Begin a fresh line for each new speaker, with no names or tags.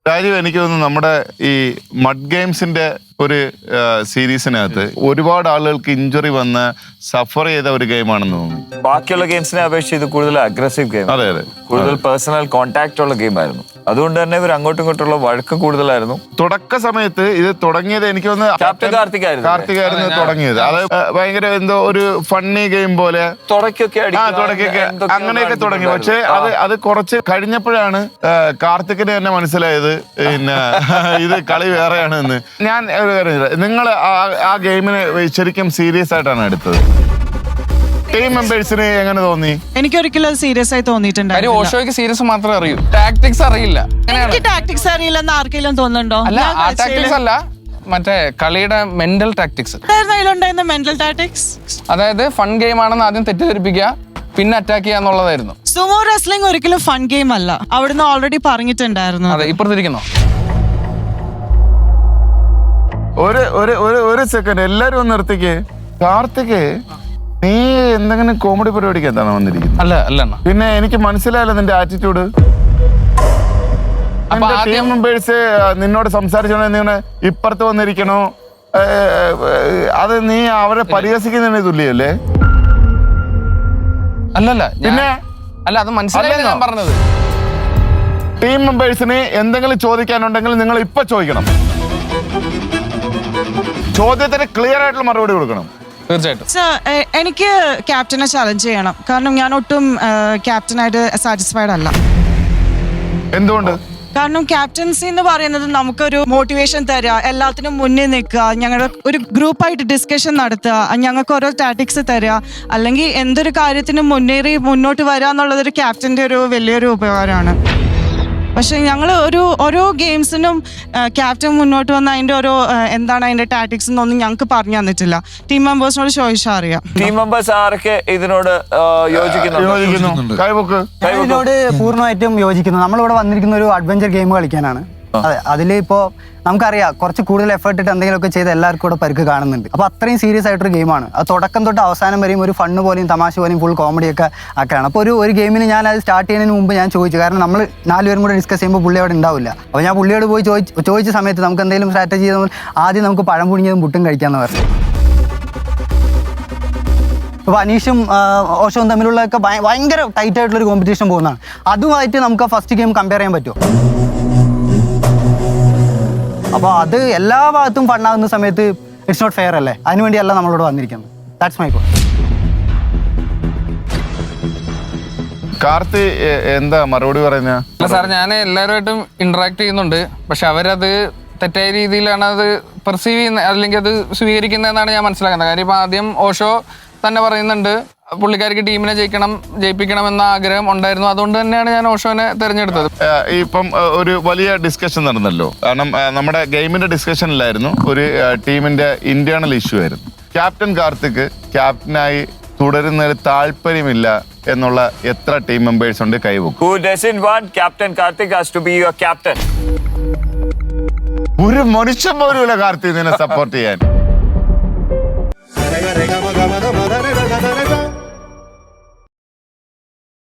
രാജീവ്, എനിക്ക് തോന്നുന്നു നമ്മുടെ ഈ മഡ് ഗെയിംസിന്റെ ഒരു സീരീസിനകത്ത് ഒരുപാട് ആളുകൾക്ക് ഇഞ്ചുറി വന്ന് സഫർ ചെയ്ത ഒരു ഗെയിമാണെന്ന് തോന്നുന്നു.
ബാക്കിയുള്ള ഗെയിംസിനെ അപേക്ഷിച്ച് ഇത് കൂടുതൽ അഗ്രസീവ് ഗെയിം,
അതെ അതെ,
കൂടുതൽ പേഴ്സണൽ കോൺടാക്ട് ഉള്ള ഗെയിം ആയിരുന്നു. അതുകൊണ്ട് തന്നെ ഇവർ അങ്ങോട്ടും ഇങ്ങോട്ടുള്ള വഴക്കം കൂടുതലായിരുന്നു.
തുടക്ക സമയത്ത് ഇത് തുടങ്ങിയത് എനിക്ക് തോന്നുന്നു
ക്യാപ്റ്റൻ
കാർത്തികായിരുന്നു തുടങ്ങിയത്. അത് ഭയങ്കര എന്തോ ഒരു ഫണ്ണി ഗെയിം പോലെ
തുടക്കൊക്കെ
അങ്ങനെയൊക്കെ തുടങ്ങി. പക്ഷെ അത് കുറച്ച് കഴിഞ്ഞപ്പോഴാണ് കാർത്തിക്കിന് തന്നെ മനസ്സിലായത് പിന്നെ ഇത് കളി വേറെയാണ് എന്ന്. ഞാൻ നിങ്ങൾ ആ ഗെയിമിനെ ശരിക്കും സീരിയസ് ആയിട്ടാണ് എടുത്തത്. ടീം മെമ്പേഴ്സിന് എങ്ങനെ തോന്നി?
എനിക്കൊരിക്കലും സീരിയസ് ആയി തോന്നിയിട്ടുണ്ടായിരുന്നു.
ഓഷോയ്ക്ക് സീരിയസ് മാത്രമേ അറിയൂ, ടാക്ടിക്സ് അറിയില്ല.
എനിക്ക് ടാക്ടിക്സ് അറിയില്ലെന്ന് ആർക്കെങ്കിലും തോന്നുന്നുണ്ടോ?
അല്ല, ആ ടാക്ടിക്സ് അല്ല, മറ്റേ കളിയുടെ മെന്റൽ ടാക്ടിക്സ്.
അതിലുണ്ടായിരുന്ന മെന്റൽ ടാക്ടിക്സ്,
അതായത് ഫൺ ഗെയിം ആണെന്ന് ആദ്യം തെറ്റിദ്ധരിപ്പിക്കുക, പിന്നെ അറ്റാക്ക് ചെയ്യുക എന്നുള്ളതായിരുന്നു.
സുമോ റെസ്ലിംഗ് ഒരിക്കലും ഫൺ ഗെയിം അല്ല, അവിടുന്ന് ഓൾറെഡി പറഞ്ഞിട്ടുണ്ടായിരുന്നു.
അതെ, ഇപ്പുറത്തിരിക്കുന്നോ?
ഒരു സെക്കൻഡ്, എല്ലാരും ഒന്ന് നിർത്തിക്കേ. കാർത്തിക്, നീ എന്തെങ്കിലും കോമഡി പരിപാടിക്ക് എന്താണ് വന്നിരിക്കുന്നത്?
അല്ല അല്ല,
പിന്നെ എനിക്ക് മനസ്സിലായല്ലോ നിന്റെ ആറ്റിറ്റ്യൂഡ്. ടീം മെമ്പേഴ്സ് നിന്നോട് സംസാരിച്ചോണ്ട് ഇപ്പുറത്ത് വന്നിരിക്കണോ? അത് നീ അവരെ പരിഹസിക്കുന്നതിന് തുല്യല്ലേ?
അല്ലല്ല,
പിന്നെ
അല്ല, അത് മനസ്സിലായില്ല ഞാൻ പറഞ്ഞത്.
ടീം മെമ്പേഴ്സിന് എന്തെങ്കിലും ചോദിക്കാനുണ്ടെങ്കിൽ നിങ്ങൾ ഇപ്പൊ ചോദിക്കണം. ചോദ്യത്തിന് ക്ലിയർ ആയിട്ടുള്ള മറുപടി കൊടുക്കണം.
തീർച്ചയായിട്ടും.
എനിക്ക് ക്യാപ്റ്റനെ ചലഞ്ച് ചെയ്യണം, കാരണം ഞാൻ ഒട്ടും ക്യാപ്റ്റനായിട്ട് സാറ്റിസ്ഫൈഡ് അല്ല.
എന്തുകൊണ്ട്?
കാരണം ക്യാപ്റ്റൻസി എന്ന് പറയുന്നത് നമുക്കൊരു മോട്ടിവേഷൻ തരിക, എല്ലാത്തിനും മുന്നിൽ നിൽക്കുക, ഞങ്ങളുടെ ഒരു ഗ്രൂപ്പായിട്ട് ഡിസ്കഷൻ നടത്തുക, ഞങ്ങൾക്ക് ഓരോ ടാറ്റിക്സ് തരിക, അല്ലെങ്കിൽ എന്തൊരു കാര്യത്തിനും മുന്നോട്ട് വരിക എന്നുള്ളതൊരു ക്യാപ്റ്റൻ്റെ ഒരു വലിയൊരു ഉപകാരമാണ്. പക്ഷെ ഞങ്ങൾ ഓരോ ഗെയിംസിനും ക്യാപ്റ്റൻ മുന്നോട്ട് വന്ന അതിന്റെ ഓരോ എന്താണ് അതിന്റെ ടാറ്റിക്സ് എന്നൊന്നും ഞങ്ങൾക്ക് പറഞ്ഞു തന്നിട്ടില്ല. ടീം മെമ്പേഴ്സിനോട് ചോദിച്ചാൽ അറിയാം.
ടീം മെമ്പേഴ്സ് ആരൊക്കെ ഇതിനോട് യോജിക്കുന്നു?
ഇതിനോട് പൂർണ്ണമായിട്ടും യോജിക്കുന്നു. നമ്മളിവിടെ വന്നിരിക്കുന്ന ഒരു അഡ്വഞ്ചർ ഗെയിം കളിക്കാനാണ്. അതെ, അതിലിപ്പോ നമുക്കറിയാം കുറച്ച് കൂടുതൽ എഫേർട്ട് ഇട്ട് എന്തെങ്കിലുമൊക്കെ ചെയ്ത് എല്ലാവർക്കും കൂടെ പരിക്ക് കാണുന്നുണ്ട്. അപ്പോൾ അത്രയും സീരിയസ് ആയിട്ടൊരു ഗെയിമാണ്. അത് തുടക്കം തൊട്ട് അവസാനം വരെയും ഒരു ഫണ്ണ് പോലെയും തമാശ പോലെയും ഫുൾ കോമഡിയൊക്കെ ആക്കാണ്. അപ്പോൾ ഒരു ഗെയിമിന് ഞാൻ അത് സ്റ്റാർട്ട് ചെയ്യുന്നതിന് മുമ്പ് ഞാൻ ചോദിച്ചു, കാരണം നമ്മൾ 4 പേരും കൂടെ ഡിസ്കസ് ചെയ്യുമ്പോൾ പുള്ളി അവിടെ ഉണ്ടാവില്ല. അപ്പോൾ ഞാൻ പുള്ളിയോട് പോയി ചോദിച്ച സമയത്ത് നമുക്ക് എന്തെങ്കിലും സ്ട്രാറ്റജി ചെയ്താൽ ആദ്യം നമുക്ക് പഴം പുഴുങ്ങിയതും പുട്ടും കഴിക്കാമെന്ന് പറഞ്ഞു. ഇപ്പോൾ അനീഷും ഓഷവും തമ്മിലുള്ളതൊക്കെ ഭയങ്കര ടൈറ്റ് ആയിട്ടുള്ളൊരു കോമ്പറ്റീഷൻ പോകുന്നതാണ്. അതുമായിട്ട് നമുക്ക് ഫസ്റ്റ് ഗെയിം കമ്പയർ ചെയ്യാൻ പറ്റുമോ? അപ്പോൾ അത് എല്ലാ ഭാഗത്തും ഫണ്ണാകുന്ന സമയത്ത് ഇറ്റ്സ് നോട്ട് ഫെയർ അല്ലേ? അതിനുവേണ്ടിയല്ല നമ്മളോട് വന്നിരിക്കുന്നത്. That's my point.
കാർത്തി എന്താ മറുപടി പറയുന്ന?
അല്ല സാർ, ഞാൻ എല്ലാവരുമായിട്ടും ഇന്ററാക്ട് ചെയ്യുന്നുണ്ട്, പക്ഷെ അവരത് തെറ്റായ രീതിയിലാണ് അത് പെർസീവ് ചെയ്യുന്നത്, അല്ലെങ്കിൽ അത് സ്വീകരിക്കുന്നതെന്നാണ് ഞാൻ മനസ്സിലാക്കുന്നത്. കാര്യം ഇപ്പം ആദ്യം ഓഷോ തന്നെ പറയുന്നുണ്ട് പുള്ളിക്കാർക്ക് ടീമിനെ ജയിപ്പിക്കണം എന്ന ആഗ്രഹം ഉണ്ടായിരുന്നു. അതുകൊണ്ട് തന്നെയാണ് ഞാൻ ഓഷോനെ തിരഞ്ഞെടുത്തത്.
ഇപ്പം ഒരു വലിയ ഡിസ്കഷൻ നടന്നല്ലോ, കാരണം നമ്മുടെ ഗെയിമിന്റെ ഡിസ്കഷനിലായിരുന്നു ഒരു ടീമിന്റെ ഇന്റേണൽ ഇഷ്യൂ ആയിരുന്നു. ക്യാപ്റ്റൻ കാർത്തിക് ക്യാപ്റ്റനായി തുടരുന്നതിൽ താല്പര്യമില്ല എന്നുള്ള എത്ര ടീം മെമ്പേഴ്സ് ഉണ്ട്? കൈവക്കും. ഒരു മനുഷ്യൻ പോലുമില്ല കാർത്തിക് നിന്നെ സപ്പോർട്ട് ചെയ്യാൻ.